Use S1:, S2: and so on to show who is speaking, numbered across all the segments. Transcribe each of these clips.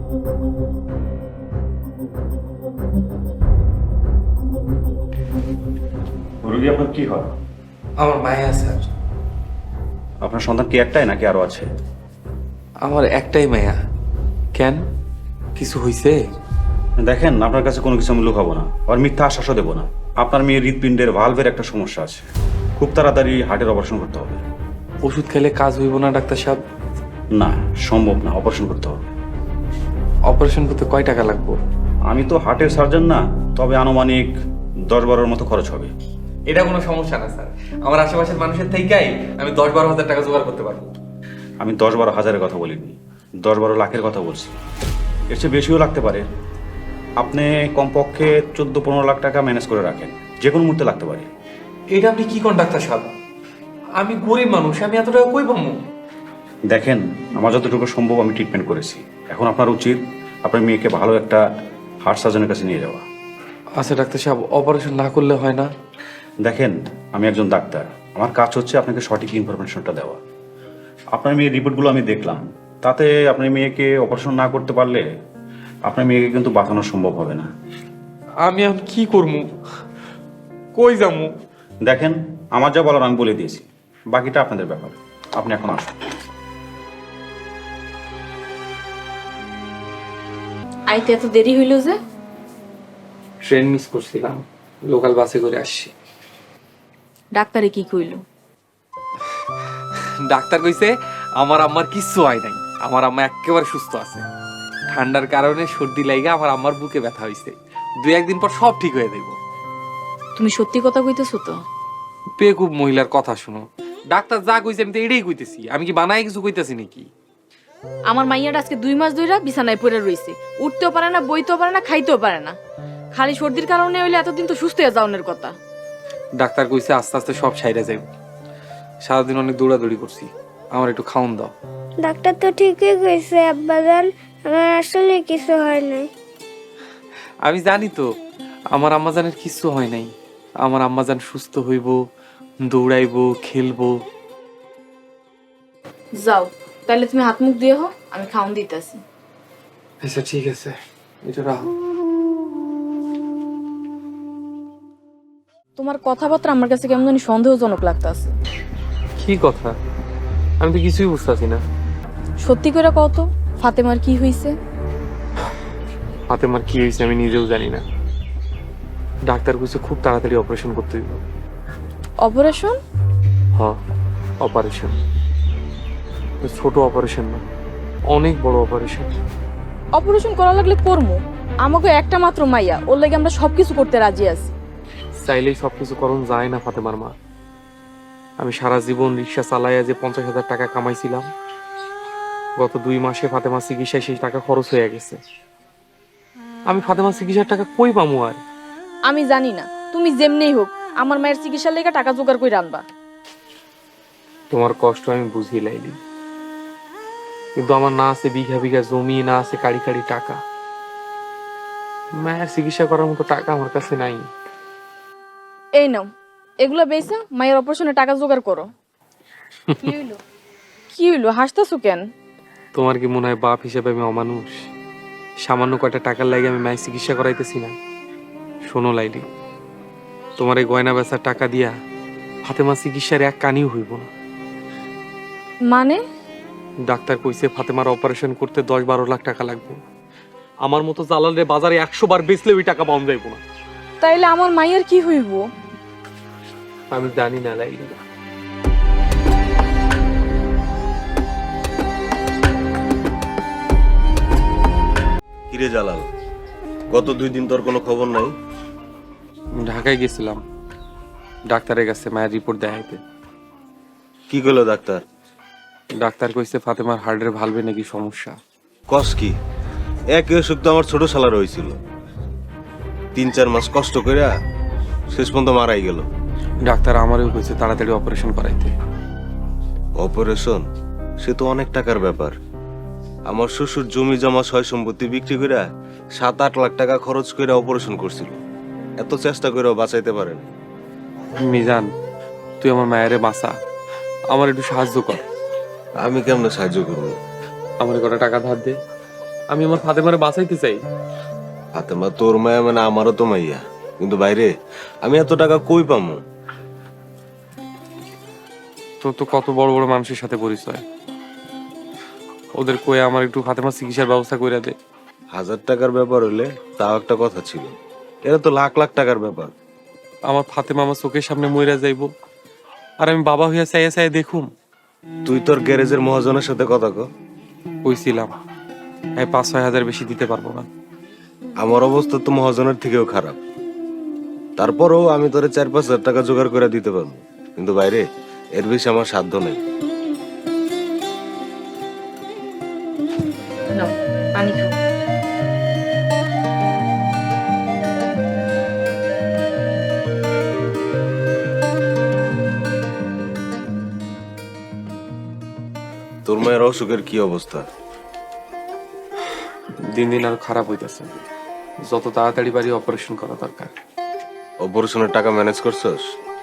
S1: রোগী আপনার কি হয়?
S2: আমার মায়া স্যার।
S1: আপনার সন্তান কি একটাই নাকি আরো আছে?
S2: আমার একটাই মায়া। কেন, কিছু হইছে?
S1: দেখেন, আপনার কাছে কোনো কিছু আমি লুকাবো না, আর মিথ্যা আশ্বাসও দেবো না। আপনার মেয়ের হৃৎপিণ্ডের ভালভের একটা সমস্যা আছে, খুব তাড়াতাড়ি হার্টের অপারেশন করতে হবে।
S2: ওষুধ খেলে কাজ হইব না ডাক্তার সাহেব?
S1: না, সম্ভব না, অপারেশন করতে হবে।
S2: অপারেশন করতে কয় টাকা লাগবে?
S1: আমি তো হার্টের সার্জন না, তবে আনুমানিক 10-12 মতো খরচ হবে।
S2: এটা কোনো সমস্যা না স্যার, আমার আশেপাশের মানুষের থেকেই আমি 10-12 হাজার টাকা জোগাড় করতে পারবো।
S1: আমি 10-12 হাজারের কথা বলিনি, 10-12 লাখের কথা বলছি। এর চেয়ে বেশিও লাগতে পারে। আপনি কমপক্ষে 14-15 লাখ টাকা ম্যানেজ করে রাখেন, যে কোনো মুহূর্তে লাগতে পারে।
S2: এটা আপনি কি কোন ডাক্তার সাহেব? আমি গরিব মানুষ, আমি এত টাকা কই পাবো?
S1: দেখেন, আমার যতটুকু সম্ভব আমি ট্রিটমেন্ট করেছি। এখন আপনার উচিত আপনার মেয়েকে ভালো একটা হার্ট সার্জনের কাছে নিয়ে যাওয়া।
S2: আচ্ছা ডাক্তার সাহেব, অপারেশন না করলে হয় না?
S1: দেখেন, আমি একজন ডাক্তার, আমার কাজ হচ্ছে আপনাকে সঠিক ইনফরমেশনটা দেওয়া। আপনার মেয়ের রিপোর্টগুলো আমি দেখলাম, তাতে আপনার মেয়েকে অপারেশন না করতে পারলে আপনার মেয়েকে কিন্তু বাঁচানো সম্ভব হবে না।
S2: আমি এখন কি করবো, কই যাবো?
S1: দেখেন, আমার যা বলার আমি বলে দিয়েছি, বাকিটা আপনাদের ব্যাপার। আপনি এখন আসুন।
S3: আইতে এত দেরি হইল যে?
S2: ট্রেন মিস করছিলাম, লোকাল বাসে করে আসছি।
S3: ডাক্তারে কি কইল?
S2: ডাক্তার কইছে আমার আম্মার কিচ্ছু হয় নাই, আমার আম্মা একেবারে সুস্থ আছে। ঠান্ডার কারণে সর্দি লাগা আমার আম্মার বুকে ব্যথা হইছে, 2-1 দিন পর সব ঠিক হয়ে যাইব।
S3: তুমি সত্যি কথা কইতেছো তো?
S2: বেকুব মহিলার কথা শুনো, ডাক্তার যা কইছে আমি তো এটাই কইতেছি, আমি কি বানায় কিছু কইতাছি নাকি?
S3: আমার মাইয়াটা আজকে 2 মাস ধইরা বিছানায় পড়ে রইছে, উঠতেও পারে না, বইতেও পারে না, খাইতেও পারে না। খালি সর্দির কারণে হইলে এতদিন তো সুস্থ হয়ে যাওয়ার কথা।
S2: ডাক্তার কইছে আস্তে আস্তে সব সাইরা যাইব। সারাদিন অনেক দৌড়াদৌড়ি করছি, আমার একটু খাওন দাও।
S4: ডাক্তার তো ঠিকই কইছে আব্বাজান, আমার আসলে কিছু হয় নাই।
S2: আমি জানি তো আমার আম্মাজানের কিচ্ছু হয় নাই, আমার আম্মাজান সুস্থ হইব, দৌড়াইবো, খেলবো।
S3: যাও তাহলে তুমি হাত মুখ দিয়ে হও, আমি খাওন দিতেছি।
S2: আচ্ছা ঠিক আছে, এটা রাখো।
S3: তোমার কথাবার্তা আমার কাছে কেমন জানি সন্দেহজনক লাগতাছে।
S2: কি কথা? আমি তো কিছুই বুঝতেছি না।
S3: সত্যি করে কও তো, ফাতেমার কি হইছে?
S2: ফাতেমার কি হয়েছে আমি নিজেও জানি না। ডাক্তার কইছে খুব তাড়াতাড়ি অপারেশন করতে দিব।
S3: অপারেশন?
S2: হ্যাঁ, অপারেশন। ছোট অপারেশন না, অনেক বড় অপারেশন।
S3: অপারেশন করা লাগলে করমু, আমাকে একটা মাত্র মাইয়া, ওর লাগে আমরা সবকিছু করতে রাজি আছি।
S2: চাইলেই সবকিছু করণ যায় না ফাতেমার মা। আমি সারা জীবন রিক্সা চালাইয়া যে 50,000 টাকা কামাইছিলাম, গত 2 মাসে ফাতেমা চিকিৎসায় সেই টাকা খরচ হয়ে গেছে। আমি ফাতেমা চিকিৎসার টাকা কই পামু আর?
S3: আমি জানি না, তুমি যেমনেই হোক আমার মায়ের চিকিৎসার লেগে টাকা জোগাড় করে আনবা।
S2: তোমার কষ্ট আমি বুঝি লাইলি, কিন্তু আমার না আছে বিঘা বিঘা জমি, না আছে কাড়ি কাড়ি টাকা। মায়ের চিকিৎসা করার মতো টাকা আমার কাছে নাই।
S3: এই নাও, এগুলা বেচা মায়ের অপারেশনে টাকা জোগাড় করো। কি হইলো, হাসতেছো কেন?
S2: তোমার কি মনে হয় বাপ হিসেবে আমি অমানুষ? সামান্য কয়টা টাকার লাগে আমি মায়ের চিকিৎসা করাইতেছি না? শোনো লাইলি, তোমার এই গয়না বেচার টাকা দিয়া ফাতেমা চিকিৎসার এক কানিও হইব না।
S3: মানে?
S2: ডাক্তার কইছে ফাতেমার অপারেশন করতে 10-12 লাখ টাকা লাগবে। আমার মতো জালালের বাজারে 100 বার বেচলে ওই টাকা পাওয়া যাইব না।
S3: তাইলে আমার মায়ের কি হইব?
S2: আমি জানি না লাইলি।
S5: কিরে জালাল, গত 2 দিন তোর কোনো খবর নাই?
S2: ঢাকায় গেছিলাম ডাক্তারের কাছে মায়ের রিপোর্ট দেখাইতে।
S5: কি কইলো ডাক্তার?
S2: ডাক্তার কইছে ফাতেমার হার্টের ভালভে নাকি সমস্যা।
S5: কস কি? একই অসুখ তো আমার ছোট শালার হয়েছিল, 3-4 মাস কষ্ট কইরা শেষ পর্যন্ত মারাই গেল।
S2: ডাক্তার আমারও কইছে তাড়াতাড়ি অপারেশন করাইতে।
S5: অপারেশন? সে তো অনেক টাকার ব্যাপার। আমার শ্বশুর জমি জমা সয় সম্পত্তি বিক্রি কইরা 7-8 লাখ টাকা খরচ কইরা অপারেশন করছিল, এত চেষ্টা কইরাও বাঁচাইতে পারেন।
S2: মিজান, তুই আমার মায়েরে বাঁচা, আমার একটু সাহায্য কর।
S5: আমি কেমনে সাহায্য করবো?
S2: আমার কটা টাকা ধার দে। আমি আমার ফাতেমারে বাঁচাইতে চাই।
S5: ফাতেমা তোর মায়া মানে আমারও তো মাইয়া, কিন্তু বাইরে আমি এত টাকা কই পামু?
S2: তোর তো কত বড় বড় মানুষের সাথে পরিচয়, ওদের কয়ে আমার একটু ফাতেমা চিকিৎসার ব্যবস্থা করে দে।
S5: 1000 টাকার ব্যাপার হলে তাও একটা কথা ছিল, এটা তো লাখ লাখ টাকার ব্যাপার।
S2: আমার ফাতেমা আমার চোখের সামনে মইরা যাইব, আর আমি বাবা হইয়া চাইয়া চাইয়া দেখুম।
S5: তুই তোর গ্যারেজের মহাজনের সাথে কথা কো।
S2: কইছিলাম আমি 5-6 হাজার বেশি দিতে পারবো না।
S5: আমার অবস্থা তো মহাজনের থেকেও খারাপ, তারপরেও আমি তোরে 4-5 হাজার টাকা জোগাড় করে দিতে পারবো, কিন্তু বাইরে এর বেশি আমার সাধ্য নেই।
S3: নাও পানি খাও।
S5: তোর মায়ের অসুখের কি অবস্থা?
S2: দিন দিন আরো খারাপ হইতেছে, যত তাড়াতাড়ি পারি অপারেশন করা দরকার।
S5: অপারেশনের টাকা ম্যানেজ করছস?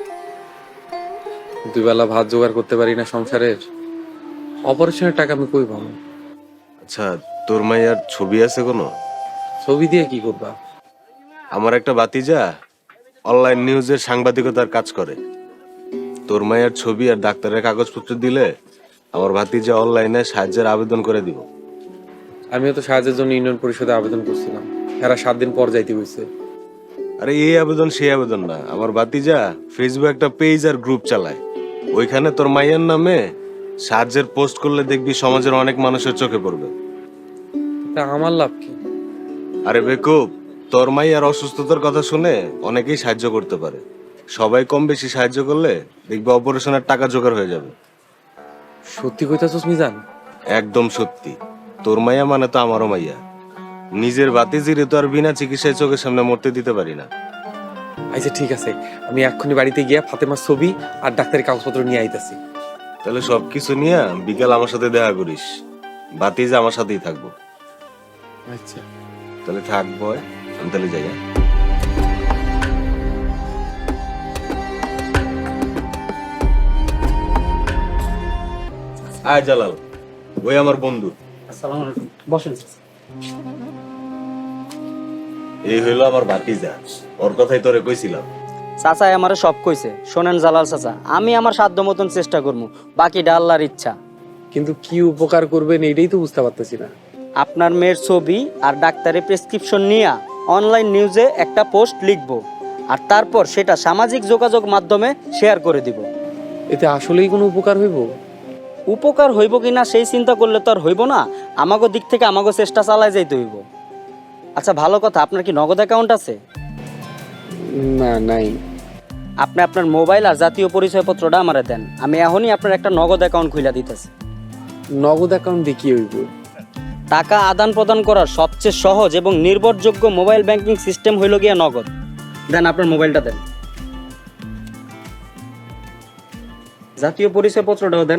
S2: 2 বেলা ভাত জোগাড় করতে পারি না সংসারের, অপারেশনের টাকা আমি কই পাবো?
S5: আচ্ছা, তোর মায়ের ছবি আছে কোনো?
S2: ছবি দিয়ে কি করবা?
S5: আমার একটা ভাতিজা অনলাইন নিউজের সাংবাদিকতার কাজ করে। তোর মায়ের ছবি আর ডাক্তারের কাগজপত্র দিলে আমার ভাতিজা অনলাইনে সাহায্যের আবেদন করে দিব।
S2: আমিও তো সাহায্যের জন্য ইউনিয়ন পরিষদে আবেদন করছিলাম, এরা 7 দিন পর যাইতে হইছে।
S5: আরে এই আবেদন সেই আবেদন না, আমার ভাতিজা ফেসবুক একটা পেজ আর গ্রুপ চালায়, ওইখানে তোর মায়ের নামে সাহায্যের পোস্ট করলে দেখবি সমাজের অনেক মানুষের চোখে পড়বে।
S2: তা আমার লাভ কি?
S5: আরে বেকুব, তোর মাইয়ার অসুস্থতার কথা শুনে অনেকেই সাহায্য করতে পারে, সবাই কম বেশি সাহায্য করলে দেখবি অপারেশনের টাকা জোগাড় হয়ে যাবে।
S2: সত্যি কইতাছস মিজান?
S5: একদম সত্যি, তোর মাইয়া মানে তো আমারও মাইয়া, নিজের ভাতিজিরে তো আর বিনা চিকিৎসায় চোখের সামনে মরতে দিতে পারি না।
S2: আচ্ছা ঠিক আছে, আমি এক্ষুনি বাড়িতে গিয়া ফাতেমার ছবি আর ডাক্তারি কাগজপত্র নিয়ে আইতাছি।
S5: তাহলে সবকিছু নিয়ে বিকাল আমার সাথে দেখা করিস, ভাতিজা আমার সাথেই থাকবো।
S2: আচ্ছা
S5: তাহলে থাকবো, আমি তাহলে যাই। হ্যাঁ? আয় জালাল, ওই আমার বন্ধু।
S6: আসসালামু আলাইকুম, বসেন।
S5: এই হইলো আমার ভাতিজা, ওর কথাই তোরে কইছিলাম।
S6: চাচা আমারে সব কইছে, শোনেন জালাল চাচা, আমি আমার সাধ্য মতন চেষ্টা করবো, বাকিটা আল্লাহর ইচ্ছা।
S2: কিন্তু কি উপকার করবেন এইটাই তো বুঝতে পারতেছি না।
S6: আপনার মেয়ের ছবি আর ডাক্তারের প্রেসক্রিপশন নিয়ে অনলাইন নিউজে একটা পোস্ট লিখবো, আর তারপর সেটা সামাজিক যোগাযোগ মাধ্যমে শেয়ার করে দিব।
S2: এতে আসলেই কোনো উপকার হইব?
S6: উপকার হইব কিনা সেই চিন্তা করলে তো আর হইব না, আমাগো দিক থেকে আমাগো চেষ্টা চালায় যাইতে হইব। আচ্ছা ভালো কথা, আপনার কি নগদ অ্যাকাউন্ট আছে?
S2: না, নাই।
S6: আপনি আপনার মোবাইল আর জাতীয় পরিচয়পত্রটা আমারে দেন, আমি এখনই আপনার একটা নগদ অ্যাকাউন্ট খুলে দিতেছি।
S2: নগদ অ্যাকাউন্ট দিয়ে কি হইব?
S6: টাকা আদান প্রদান করার সবচেয়ে সহজ এবং নির্ভরযোগ্য মোবাইল ব্যাংকিং সিস্টেম হইল গিয়া নগদ। দেন আপনার মোবাইলটা দেন, জাতীয় পরিচয়পত্রটাও দেন।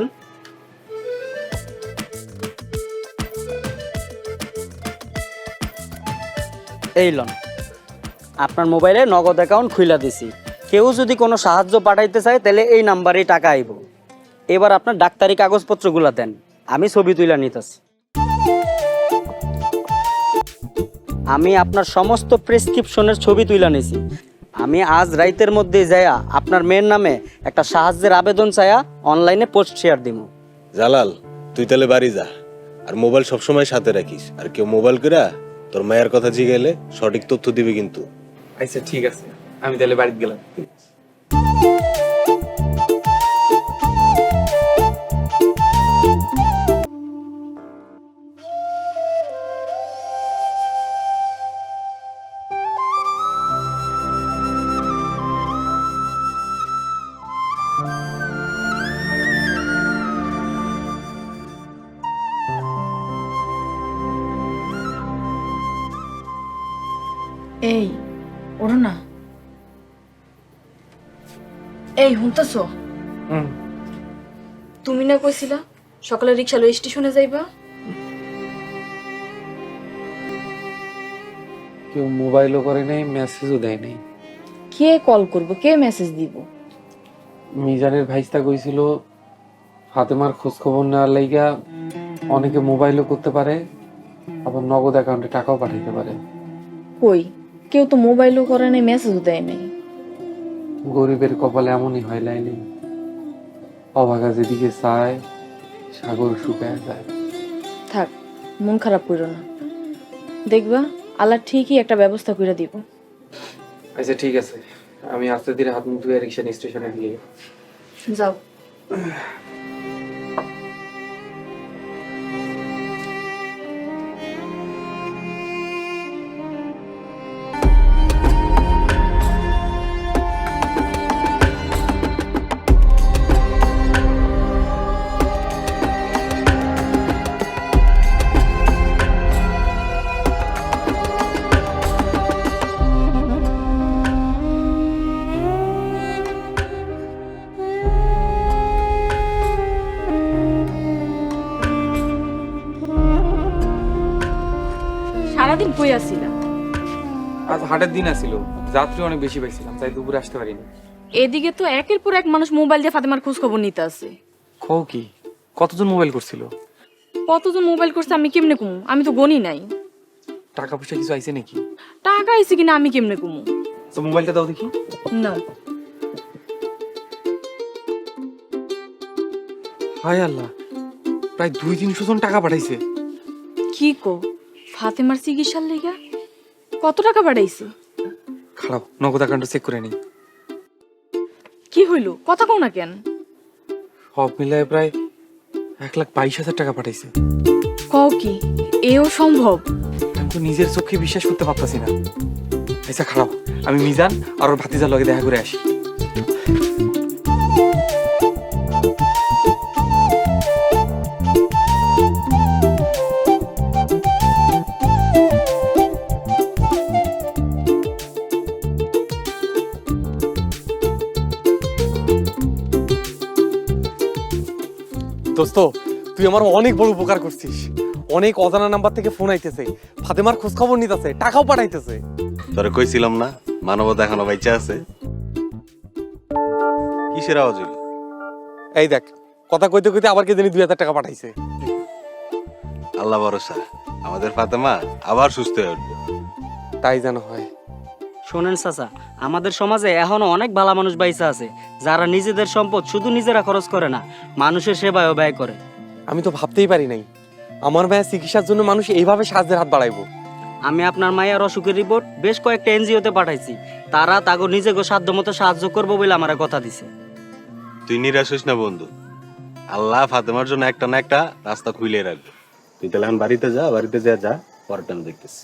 S6: এই লন, আপনার মোবাইলে নগদ অ্যাকাউন্ট খুইলা দিছি। কেউ যদি কোনো সাহায্য পাঠাইতে চায় তাহলে এই নাম্বারেই টাকা আইব। এবার আপনার ডাক্তারি কাগজপত্রগুলো দেন, আমি ছবি তুইলা নিতেছি। আমি আপনার সমস্ত প্রেসক্রিপশনের ছবি তুইলা নিছি। আমি আজ রাইতের মধ্যে যায়া আপনার মেয়ের নামে একটা সাহায্যের আবেদন চায়া অনলাইনে পোস্ট শেয়ার দিব।
S5: জালাল, তুই তাহলে বাড়ি যা, আর মোবাইল সবসময় সাথে রাখিস, আর কেউ মোবাইল করে তোর মায়ের কথা জিগাইলে সঠিক তথ্য দিবে কিন্তু।
S2: আচ্ছা ঠিক আছে, আমি তাহলে বাড়িতে গেলাম।
S3: এই ওঠো না। এই শুনতেছো? তুমি না কইছিলা সকালে রিক্সা লই স্টেশনে যাইবা?
S2: কেউ মোবাইলও করে নাই, মেসেজও দেয় নাই।
S3: কে কল করবো, কে মেসেজ দিব?
S2: মিজানের ভাইস্তা কইছিল ফাতেমার খোঁজ খবর নেওয়ার লাইগা অনেকে মোবাইলও করতে পারে, আবার নগদ অ্যাকাউন্টে টাকাও পাঠাইতে পারে।
S3: কই, কেউ তো মোবাইলও করে নাই, মেসেজও দেয় নাই।
S2: গরিবের কপালে এমনই হয় লাইনি, অভাগা যেদিকে চায় সাগর শুকায় যায়।
S3: থাক, মন খারাপ করো না, দেখবা আল্লাহ ঠিকই একটা ব্যবস্থা করে দিব।
S2: আচ্ছা ঠিক আছে, আমি আস্তে ধীরে হাত মুখ ধুয়ে রিক্সা স্টেশনে দিয়ে
S3: যাও। সারাদিন কই আসছিলাম?
S2: আজ হাটের দিন আসিল, যাত্রী অনেক বেশি পাইছিলাম, তাই দুপুরে আসতে পারিনি।
S3: এদিকে তো একের পর এক মানুষ মোবাইল দিয়ে ফাতেমার খোঁজ খবর নিতে আছে।
S2: খো কি, কতজন মোবাইল করছিল?
S3: কতজন মোবাইল করছে আমি কেমনে কমু? আমি তো গনি নাই।
S2: টাকা পয়সা কিছু আইছে নাকি?
S3: টাকা আইছে কিনা আমি কেমনে কমু?
S2: তো মোবাইলটা দাও দেখি।
S3: না,
S2: হায় আল্লাহ, প্রায় 200-300 জন টাকা পাঠাইছে।
S3: কি কো, ফাতেমার চিকিৎসার লেগা কত টাকা পাঠাইছে?
S2: খারাপ, নগদ অ্যাকাউন্টটা চেক করে নিই।
S3: কি হইলো, কথা কও না কেন?
S2: সব মিলায় প্রায় 1,22,000 টাকা পাঠাইছে।
S3: কও কি, এও সম্ভব?
S2: আমি তো নিজের চোখে বিশ্বাস করতে পারতাছি না। আচ্ছা খারাপ, আমি মিজান আর ওর ভাতিজার লগে দেখা করে আসি। দোস্ত, তুই আমার অনেক বড় উপকার করছিস। অনেক অজানা নাম্বার থেকে ফোন আইতেছে, ফাতেমার খোঁজ খবর নিতেছে, টাকাও পাঠাইতেছে।
S5: তোরে কইছিলাম না মানবতা এখনো বাইচা আছে। কিসের আওয়াজ হইল?
S2: এই দেখ, কথা কইতে কইতে আবার কে জানি 2,000 টাকা পাঠাইছে।
S5: আল্লাহ ভরসা, আমাদের ফাতেমা আবার সুস্থ হয়ে উঠবে।
S2: তাই যেন হয়।
S6: শোনেন চাচা, আমাদের সমাজে এখনো অনেক ভালো মানুষ বাইসা আছে যারা নিজেদের সম্পদ শুধু নিজেরা খরচ করে না, মানুষের সেবায়ও ব্যয় করে।
S2: আমি তো ভাবতেই পারি নাই আমার মায়ের চিকিৎসার জন্য মানুষ এইভাবে সাহায্যের হাত বাড়াইবো।
S6: আমি আপনার মায়ের অসুখের রিপোর্ট বেশ কয়েকটা এনজিওতে পাঠাইছি, তারা তাগো নিজেকে সাধ্য মতো সাহায্য করবো বলে আমার কথা দিছে।
S5: তুই নিরাশ হইস না বন্ধু, আল্লাহ ফাতেমার জন্য একটা না একটা রাস্তা খুলে রাখবে। তুই তাহলে এখন বাড়িতে যা, বাড়িতে যা পরেরটা আমি দেখতেছি।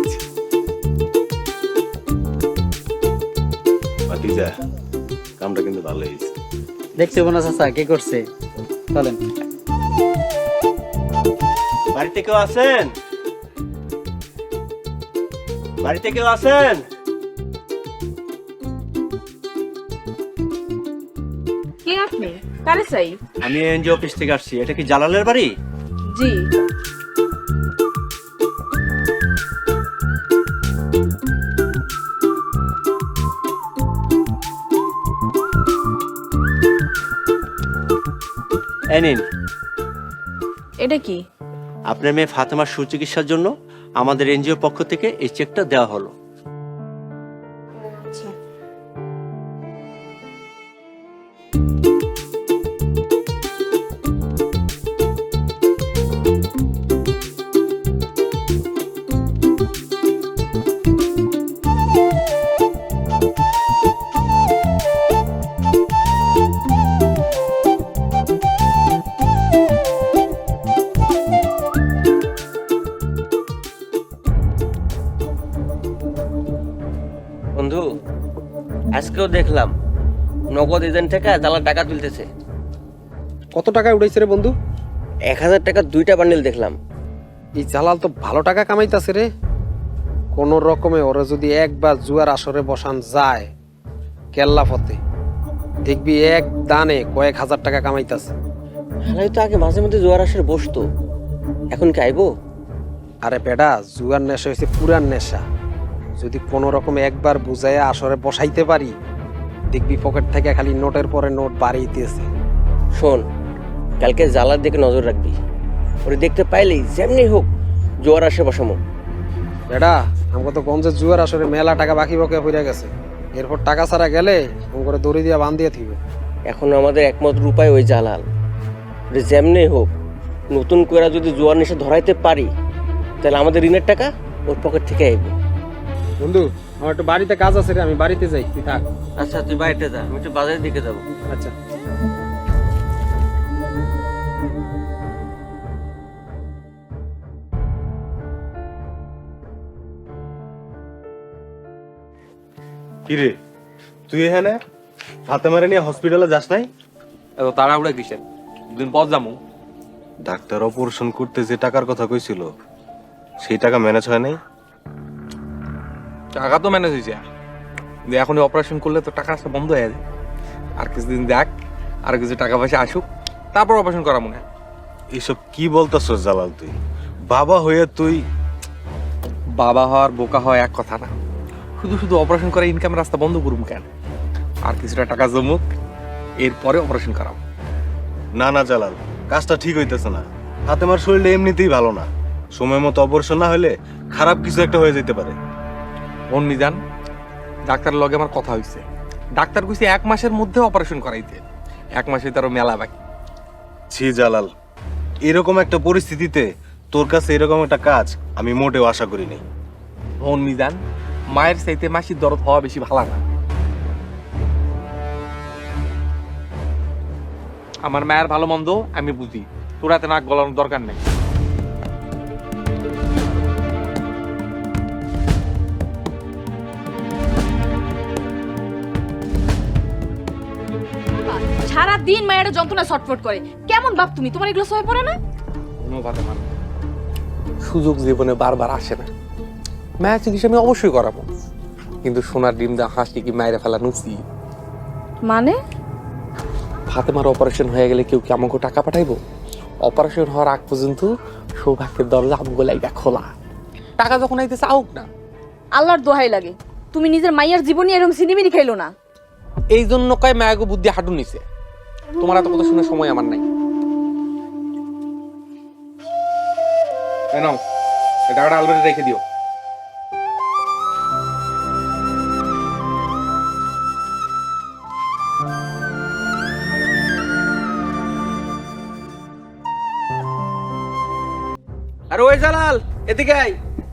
S5: বাকি যা, কামটা কিন্তু ভালো হয়েছে।
S6: দেখছি বোনা চাচা কি করছে, চলেন।
S7: বাড়িতে কেউ আছেন? বাড়িতে কেউ আছেন?
S3: কে আপনি? কারে চাই?
S7: আমি এনজিও অফিস থেকে আসছি। এটা কি জালালের বাড়ি?
S3: জি।
S7: এই নিন,
S3: এটা কি?
S7: আপনার মেয়ে ফাতেমার সুচিকিৎসার জন্য আমাদের এনজিও পক্ষ থেকে এই চেকটা দেওয়া হলো।
S8: বন্ধু, আজকেও দেখলাম নগদ এজেন্ট থেকে জালাল টাকা তুলতেছে।
S9: কত টাকা উঠাইছে রে বন্ধু?
S8: 1,000 টাকা 2টা বান্ডেল দেখলাম।
S9: এই জালাল তো ভালো টাকা কামাইতাছে রে। কোন রকমে ওরা যদি একবার জুয়ার আসরে বসান যায় কেল্লা ফতে, দেখবি এক দানে কয়েক হাজার টাকা কামাইতাছে।
S8: হালাই তো আগে মাঝে মধ্যে জোয়ার আসরে বসতো, এখন কি আইবো?
S9: আরে বেটা, জুয়ার নেশা হয়েছে পুরান নেশা। যদি কোন রকমে একবার বুঝাইয়া আসরে বসাইতে পারি, দেখবি পকেট থেকে খালি নোটের পরে নোট বাড়িয়েছে।
S8: শোন, কালকে জালার দিকে নজর রাখবি। ওরে দেখতে পাইলেই যেমনি হোক জোয়ার আসে বসামো।
S9: বেটা আমাকে তো গঞ্জের জুয়ার আসরে মেলা টাকা বাকি বকে পড়ে গেছে, এরপর টাকা ছাড়া গেলে করে দড়ি দিয়া বান দিয়ে থিবে।
S8: এখন আমাদের একমাত্র উপায় ওই জালাল, ওটা যেমনি হোক নতুন করে যদি জোয়ার নেশে ধরাইতে পারি তাহলে আমাদের ঋণের টাকা ওর পকেট থেকে আইব।
S9: বন্ধু আমার একটু বাড়িতে কাজ আছে রে, আমি বাড়িতে যাই, তুই থাক।
S8: আচ্ছা তুই বাড়িতে যা, আমি একটু বাজারের দিকে যাবো।
S9: আচ্ছা।
S5: কিরে তুই এখানে ফাতেমারে নিয়ে হসপিটালে যাস নাই?
S2: এত তাড়াহুড়া কিসের? দুদিন পর যাবো।
S5: ডাক্তার অপারেশন করতে যে টাকার কথা কইছিল সেই টাকা ম্যানেজ হয় নাই।
S2: টাকা তো ম্যানেজ হয়েছে, এখন অপারেশন করলে তো টাকা আসা বন্ধ হয়ে যাবে। আর কিছুদিন দেখ, আর কিছু টাকা পয়সা আসুক, তারপর অপারেশন করা মনে হয়।
S5: এইসব কি বলতাছস জালাল? তুই বাবা হয়ে তুই
S2: বাবা হওয়ার বোকা হওয়া এক কথা না, শুধু শুধু অপারেশন করে ইনকামের রাস্তা বন্ধ করুম কেন? আর কিছুটা টাকা জমুক, এরপরে অপারেশন করাবো।
S5: না না জালাল, কাজটা ঠিক হইতেছে না। ফাতেমার শরীরটা এমনিতেই ভালো না, সময় মতো অপারেশন না হলে খারাপ কিছু একটা হয়ে যেতে পারে।
S2: মন মিজান, ডাক্তারের লগে আমার কথা হয়েছে, ডাক্তার কইছে 1 মাসের মধ্যে অপারেশন করাইতে। 1 মাসে তারও মেলা বাকি।
S5: ছি জালাল, এরকম একটা পরিস্থিতিতে তোর কাছে এরকম একটা কাজ আমি মোটেও আশা করিনি।
S2: মন মিজান, মায়ের চাইতে মাসির দরদ হওয়া বেশি ভালো না। আমার মায়ের ভালো মন্দ আমি বুঝি, তোর এত নাক গলানোর দরকার নেই।
S3: সারা দিন মায়ের যন্ত্রণা ছটফট করে, কেমন বাপ তুমি? তোমার এগুলো সয়ে পড়ে না?
S2: অনুপাতে মান সুযোগ জীবনে বারবার আসে না। মায়ের চিকিৎসা আমি অবশ্যই করাবো, কিন্তু সোনার ডিম দা হাসি কি মায়ের ফেলা নুচি?
S3: মানে
S2: ফাতেমার অপারেশন হয়ে গেলে কেউ কি আমাকে টাকা পাঠাইবো? অপারেশন হওয়ার আগ পর্যন্ত সৌভাগ্যের দরজা আমগো লাইগা খোলা। টাকা যখন আইতেছে আউক না।
S3: আল্লাহর দোহাই লাগে, তুমি নিজের মাইয়ার জীবনী এরকম সিনেমিনি খাইলো না।
S2: এই জন্য কয় মায়াগো বুদ্ধি হাঁটু নিছে। তোমার এত কথা শোনার সময় আমার নাই। নাও, এই টাকাটা আলমারিতে রেখে দিও।
S8: আর ওই জালাল এদিকে আয়।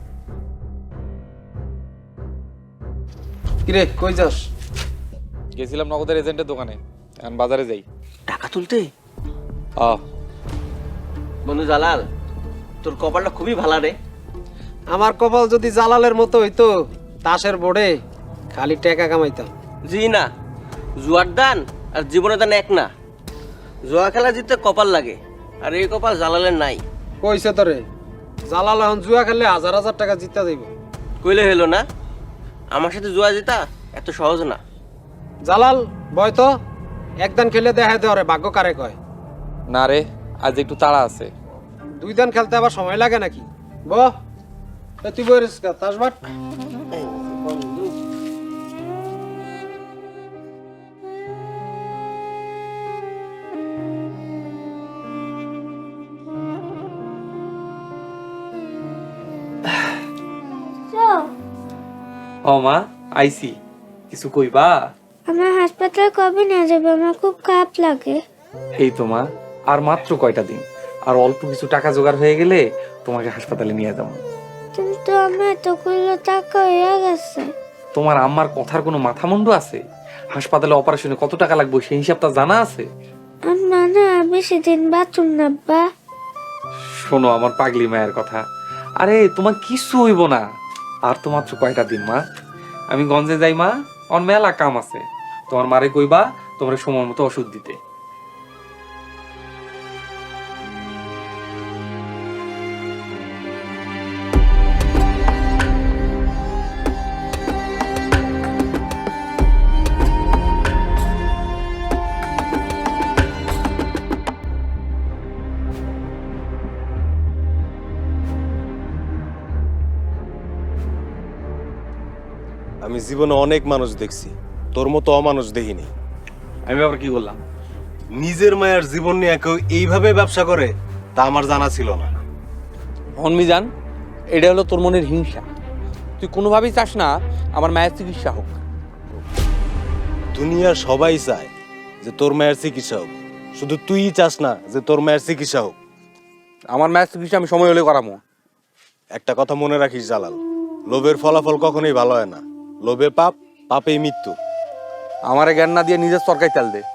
S9: কিরে কই যাস?
S2: গেছিলাম নগদের এজেন্টের দোকানে, এখন বাজারে যাই।
S8: টাকা তুলতে?
S2: আহ,
S8: বন্ধু জালাল, তোর কপালটা খুবই ভালো রে।
S9: আমার কপাল যদি জালালের মতো হইতো, তাসের বোর্ডে খালি টাকা কামাইতাম।
S8: জি না, জুয়ার দান আর জীবনের দান এক না। জুয়া খেলা জিততে কপাল লাগে, আর এই কপাল জালালের নাই।
S9: কইছে তোরে জালাল এখন জুয়া খেললে 1000 টাকা জিতা যাইব।
S8: কইলে হলো না, আমার সাথে জুয়া জিতা এত সহজ না।
S9: জালাল বয় তো, একদান খেলে দেখা দে ওরে ভাগ্য কারে কয়।
S2: না রে, আজ একটু তাড়া আছে।
S9: 2 দান খেলতে আবার সময় লাগে নাকি? বহ তুই বইরিস তাস বাট।
S2: ও মা, আইসি, কিছু কইবা?
S4: আমার হাসপাতাল কবে নিয়ে যাবে? আমার খুব খারাপ লাগে।
S2: এই তো মা, আর মাত্র কয়টা দিন, আর অল্প কিছু টাকা জোগাড় হয়ে গেলে তোমাকে হাসপাতালে নিয়ে যাবো।
S4: কিন্তু আমার এতগুলো টাকা হয়ে গেছে।
S2: তোমার আম্মার কথার কোনো মাথা মুন্ডু আছে? হাসপাতালে অপারেশনে কত টাকা লাগবে সেই হিসাবটা জানা আছে?
S4: আম্মা না, বেশি দিন বাঁচুন না আব্বা।
S2: শোনো আমার পাগলি মায়ের কথা, আরে তোমার কিছু হইব না। আর তো মাত্র কয়টা দিন মা, আমি গঞ্জে যাই মা, আমার মেলা কাম আছে। তোমার মারে কইবা তোমার সময় মতো ওষুধ দিতে।
S5: আমি জীবনে অনেক মানুষ দেখছি, তোর মতো অমানুষ দেখিনি।
S2: আমি আবার কি বললাম?
S5: নিজের মায়ের জীবন নিয়ে কেউ এইভাবে ব্যবসা করে তা আমার জানা ছিল না।
S2: হনমিজান, এটা হলো তোর মনের হিংসা। তুই কোনোভাবেই চাস না আমার মায়ের চিকিৎসা হোক।
S5: দুনিয়ার সবাই চায় যে তোর মায়ের চিকিৎসা হোক, শুধু তুইই চাস না যে তোর মায়ের চিকিৎসা হোক।
S2: আমার মায়ের চিকিৎসা আমি সময় হলে করামো।
S5: একটা কথা মনে রাখিস জালাল, লোভের ফলাফল কখনোই ভালো হয় না। লোভে পাপ, পাপেই মৃত্যু।
S2: আমারে জ্ঞান না দিয়ে নিজের সরকারি তেল দে।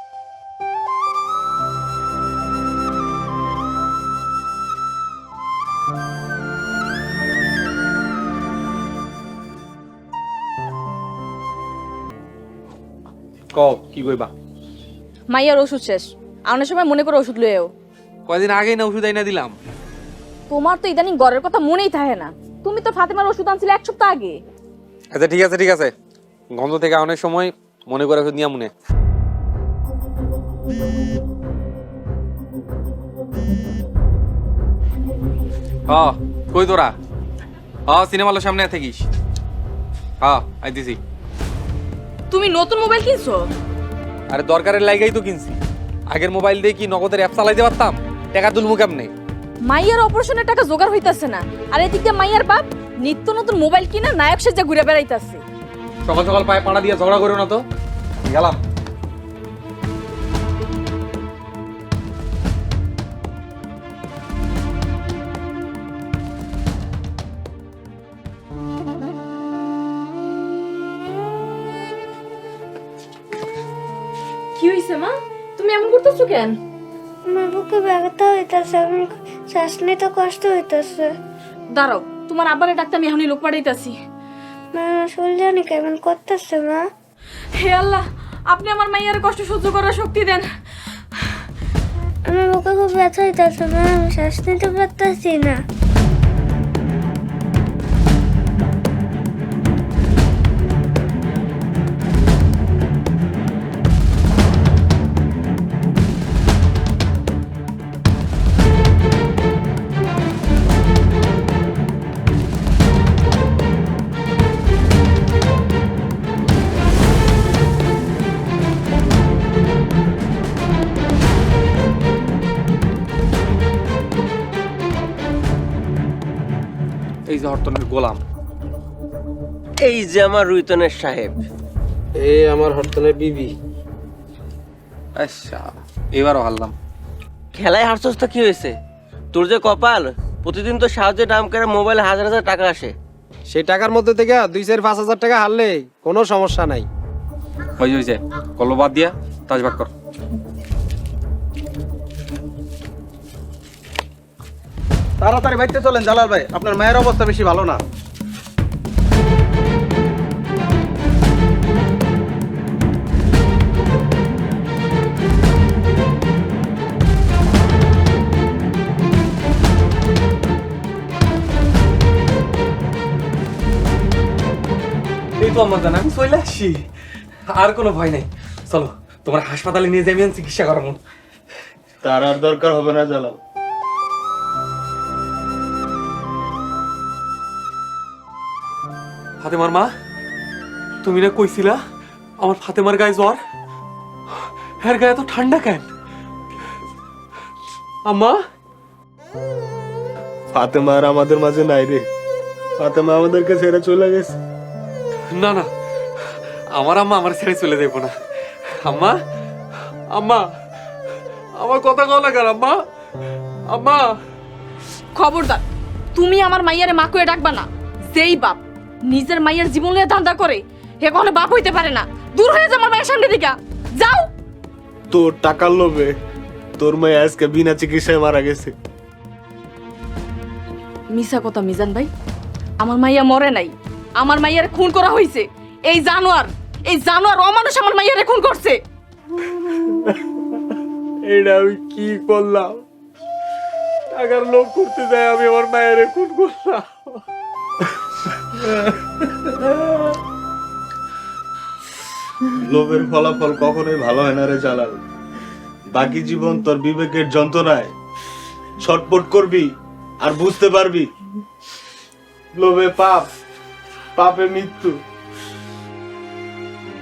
S2: ক কি কইবা?
S3: মাইয়ার ওষুধ শেষ, আনার সময় মনে করে ওষুধ লয়েও।
S2: কয়দিন আগেই না ওষুধ আইনা দিলাম।
S3: তোমার তো ইদানিং ঘরের কথা মনেই থাকে না। তুমি তো ফাতেমার ওষুধ আনছিলে 1 সপ্তাহ আগে।
S2: আচ্ছা ঠিক আছে ঠিক আছে, গন্ধ থেকে অনেক সময় মনে করে ওষুধ নিয়ে মনে। কই তোরা? সিনেমা হলের সামনে থাকিস। আইতেছি।
S3: তুমি নতুন মোবাইল কিনছো?
S2: আরে দরকারের লাইগাই তো কিনছি। আগের মোবাইল দিয়ে কি নগদের অ্যাপ চালাইতে পারতাম? টাকা তুলমু কেমনে?
S3: মাইয়ার অপারেশনের টাকা জোগাড় হইতাছে না, আর এদিকে মাইয়ার বাপ নিত্য নতুন মোবাইল কিনা নায়ক সেজে ঘুরে বেড়াইতাছে।
S2: সকাল সকাল পায়ে পাড়া দিয়ে ঝগড়া করো না তো। গেলাম।
S3: কি হইছে মা? তুমি এমন করতেছো কেন?
S4: আমার বুকে ব্যথা হইতাছে, আমি শ্বাস নিতে কষ্ট হইতাছে।
S3: দাঁড়াও, তোমার আব্বারে ডাক্তার আমি এখনই লোক পাঠাইতাছি।
S4: মা শরীর জানি কেমন করতেছে মা।
S3: হে আল্লাহ, আপনি আমার মাইয়ার কষ্ট সহ্য করার শক্তি দেন।
S4: আমার বুকে খুব ব্যথা হইতাছে মা, আমি শ্বাস নিতে পারতাছি না।
S2: এই যে হরতনের গোলাম।
S8: এই যে আমার রুইতনের সাহেব।
S9: এই আমার হরতনের বিবি।
S2: আচ্ছা, এবারও হারলাম।
S8: খেলায় হারছস তো কি হয়েছে? তোর যে কপাল, প্রতিদিন তো সাহায্যে নাম করে মোবাইলে 1000 টাকা আসে।
S9: সেই টাকার মধ্যে থেকে 2-4-5 হাজার টাকা হারলে কোনো সমস্যা নাই।
S2: হয়েছে কল্লো বাদ দিয়া তাজবাগ কর।
S10: তাড়াতাড়ি বাইতে চলেন জালাল ভাই, আপনার মায়ের অবস্থা বেশি ভালো না।
S2: এই তো আমার জানা, আমি চলে আসছি। আর কোনো ভয় নাই। চলো তোমার হাসপাতালে নিয়ে যাই, আমি চিকিৎসা করাবো।
S5: তার আর দরকার হবে না জালাল।
S2: ফাতেমার মা, তুমি না কইছিলা আমার ফাতেমার গায়ে জ্বর? হ্যাঁ, গায়ে তো ঠান্ডা কেন? আম্মা,
S5: ফাতেমা আর আমাদের মাঝে নাই রে। ফাতেমা আমাদেরকে ছেড়ে চলে গেছে।
S2: না না, আমার আম্মা আমার ছেড়ে চলে যাবো না। আম্মা, আম্মা, আমার কথা কও না কেন আম্মা? আম্মা,
S3: খবরদার, তুমি আমার মাইয়ারে মা করে ডাকবা না। যেই বাপ নিজের মাইয়ার জীবন নিয়ে ধান্দা করে, হে কখনো বাপ হইতে পারে না। দূর হয়ে যা আমার মায়ের সামনে দিকে, যাও।
S5: তোর টাকার লোভে তোর মেয়ে আজকে বিনা চিকিৎসায় মারা গেছে।
S3: মিছা কথা মিজান ভাই, আমার মাইয়া মরে নাই, আমার মাইয়ারে খুন করা হয়েছে। এই জানোয়ার অমানুষ আমার মাইয়ারে খুন করছে।
S5: এটা আমি কি করলাম? টাকার লোভ করতে যাই আমি আমার মায়ের খুন করলাম। লোভের ফলাফল কখনোই ভালো হয় না রে জালাল। বাকি জীবন তোর বিবেকের যন্ত্রণায় ছটপট করবি আর বুঝতে পারবি লোভে পাপ, পাপে মৃত্যু।